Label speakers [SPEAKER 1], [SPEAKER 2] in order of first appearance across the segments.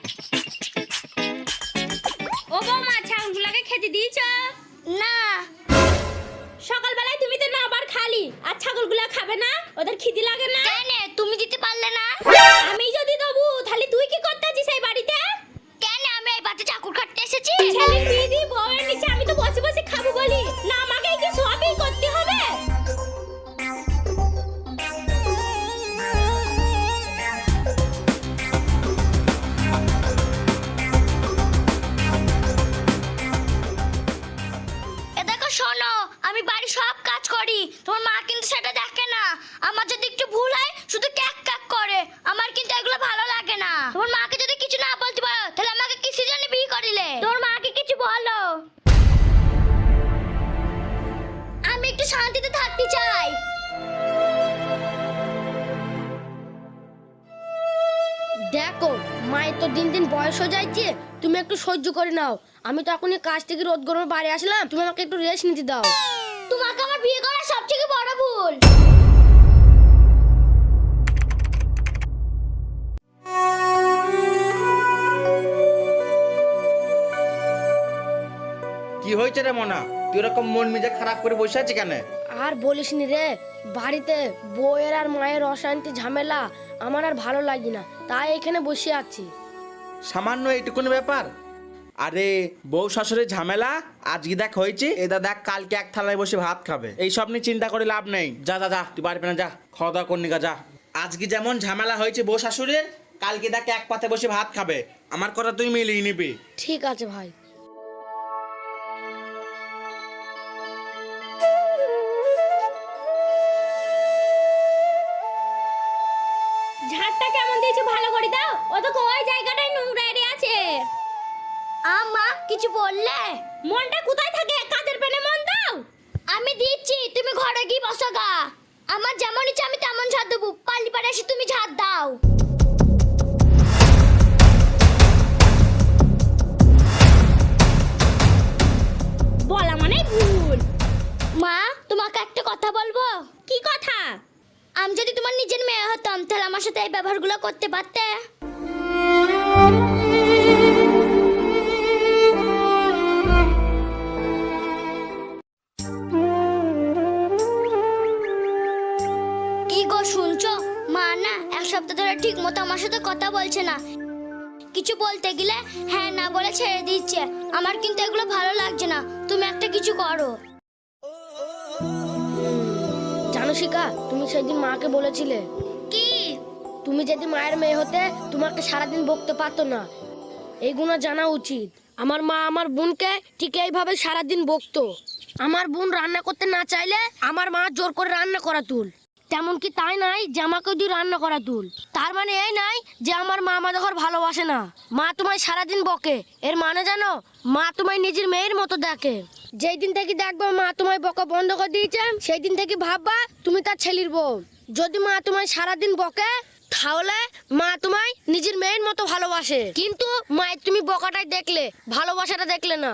[SPEAKER 1] ও বৌমা, ছাগলগুলোকে খেতে দিয়েছ?
[SPEAKER 2] না।
[SPEAKER 1] সকালবেলায় তুমি তো না আবার খালি, আর ছাগলগুলো খাবে না? ওদের খিদে লাগে না?
[SPEAKER 2] কেন তুমি দিতে পারলে না?
[SPEAKER 1] আমি যদি দেবো তাহলে তুই কি করতে আছিস এই বাড়িতে?
[SPEAKER 2] কেন আমি এই বাড়িতে চাকর খাটতে এসেছি?
[SPEAKER 1] ছেলের বিয়ে দিয়ে বউয়ের নিচে আমি তো বসে বসে খাবো বলি না, আমাকে কি সবই করতে হবে?
[SPEAKER 2] এ দেখো শোনো, আমি বাড়ি সব কাজ করি, তোমার মা কিন্তু সেটা দেখে না। আমার যদি একটু ভুল হয় শুধু ক্যাক ক্যাক করে, আমার কিন্তু এগুলো ভালো লাগে না। তোমার মাকে যদি কিছু না বলতে পারো তাহলে আমাকে কিসের জন্য বিয়ে করিলে? তোমার মাকে কিছু বলো, আমি একটু শান্তিতে থাকতে চাই।
[SPEAKER 3] দেখো, মায়ের তো দিন দিন বয়স হয়ে যাচ্ছে, তুমি একটু সহ্য করে নাও। আমি তো এখনই কাজ থেকে রোদ গরমে বাড়ি আসলাম, তুমি আমাকে একটু রেস্ট নিতে দাও।
[SPEAKER 2] তোমাকে আমার বিয়ে করা সবথেকে বড় ভুল।
[SPEAKER 4] কি হয়েছে রে মনা, তুই এরকম মন মেজাজ খারাপ করে বসে আছিস কেন?
[SPEAKER 3] আর বলিস নি রে, বাড়িতে বউয়ের আর মায়ের অশান্তি ঝামেলা আমার আর ভালো লাগে না, তাই এখানে বসে আছি।
[SPEAKER 4] সামান্য এইটুকুনি ব্যাপার? আরে বউ শাশুড়ির ঝামেলা আজকে দেখ হয়েছে, এদা দেখ কালকে এক থালায় বসে ভাত খাবে। এইসব নিয়ে চিন্তা করে লাভ নেই। যা যা যা, তুই বাড়ি না, যা খাওয়া দাওয়া করনি গা, যা। আজকে যেমন ঝামেলা হয়েছে বউ শাশুড়ির, কালকে দেখ এক পাতে বসে ভাত খাবে। আমার কথা তুই মিলিয়ে নিবি।
[SPEAKER 3] ঠিক আছে ভাই।
[SPEAKER 1] ঝাড়টা কেমন দিয়েছো ভালো করে দাও, ও তো ওই জায়গাটাই নোংরা এরিয়া আছে।
[SPEAKER 2] আমা কিছু বললে?
[SPEAKER 1] মনটা কোথায় থাকে, কাজের পেনে মন দাও।
[SPEAKER 2] আমি দিচ্ছি, তুমি ঘরে গিয়ে বসো গা। আমার যেমন ইচ্ছে আমি তেমন ঝাড় দেবো, পাল্লি পাড়ে এসে তুমি ঝাড় দাও।
[SPEAKER 1] বলা মানে ভুল।
[SPEAKER 2] মা তোমাকে একটা কথা বলবো?
[SPEAKER 1] কি কথা?
[SPEAKER 2] আমি যদি তোমার নিজের মেয়ে হতাম তাহলে আমার সাথে এই ব্যবহারগুলো করতে পারতে? কি গো শুনছো? মা না এক সপ্তাহ ধরে ঠিক মতো আমার সাথে কথা বলছে না। কিছু বলতে গেলে হ্যাঁ না বলে ছেড়ে দিচ্ছে। আমার কিন্তু এগুলো ভালো লাগছে না, তুমি একটা কিছু করো।
[SPEAKER 3] জানো শিখা, তুমি সেদিন মাকে বলেছিলে
[SPEAKER 2] কি?
[SPEAKER 3] তুমি যদি মায়ের মেয়ে হতে তোমাকে সারাদিন বকতে পারতো না। এইগুলো জানা উচিত। আমার মা আমার বোনকে ঠিক এইভাবে সারাদিন বকতো। আমার বোন রান্না করতে না চাইলে আমার মা জোর করে রান্না করা তুল। তেমন কি তাই নাই যে আমাকে দিয়ে রান্না করা তুল। তার মানে এই নাই যে আমার মা আমাদের ঘর ভালোবাসে না। মা তোমায় সারাদিন বকে, এর মানে জানো, মা তোমায় নিজের মেয়ের মতো দেখে। যেই দিন থেকে দেখবো মা তোমায় বকা বন্ধ করে দিয়েছে, সেই দিন থেকে ভাববা তুমি তার ছেলের বউ। যদি মা তোমায় সারাদিন বকে তাহলে মা তোমায় নিজের মেয়ের মতো ভালোবাসে, কিন্তু মায়ের তুমি বকাটাই দেখলে, ভালোবাসাটা দেখলে না।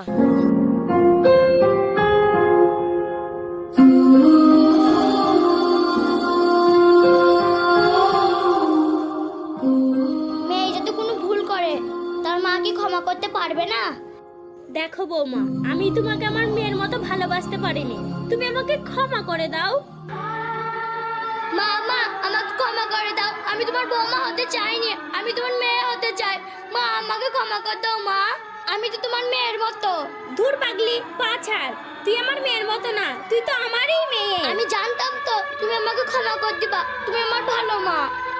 [SPEAKER 2] মেয়ে যদি কোনো ভুল করে তার মা কি ক্ষমা করতে পারবে না?
[SPEAKER 1] দেখো বৌমা, আমি তোমাকে আমার মেয়ের মতো ভালোবাসতে পারিনি, তুমি আমাকে ক্ষমা করে দাও।
[SPEAKER 2] মা মা আমাকে ক্ষমা করে দাও, আমি তোমার বৌমা হতে চাইনি, আমি তোমার মেয়ে হতে চাই। মা আমাকে ক্ষমা করে দাও মা, আমি তো তোমার মেয়ের মতো।
[SPEAKER 1] দূর পাগলি, পা ছাড়, তুই আমার মেয়ের মতো না, তুই তো আমারই মেয়ে।
[SPEAKER 2] আমি জানতাম তো তুমি আমাকে ক্ষমা করে দিবা, তুমি আমার ভালো মা।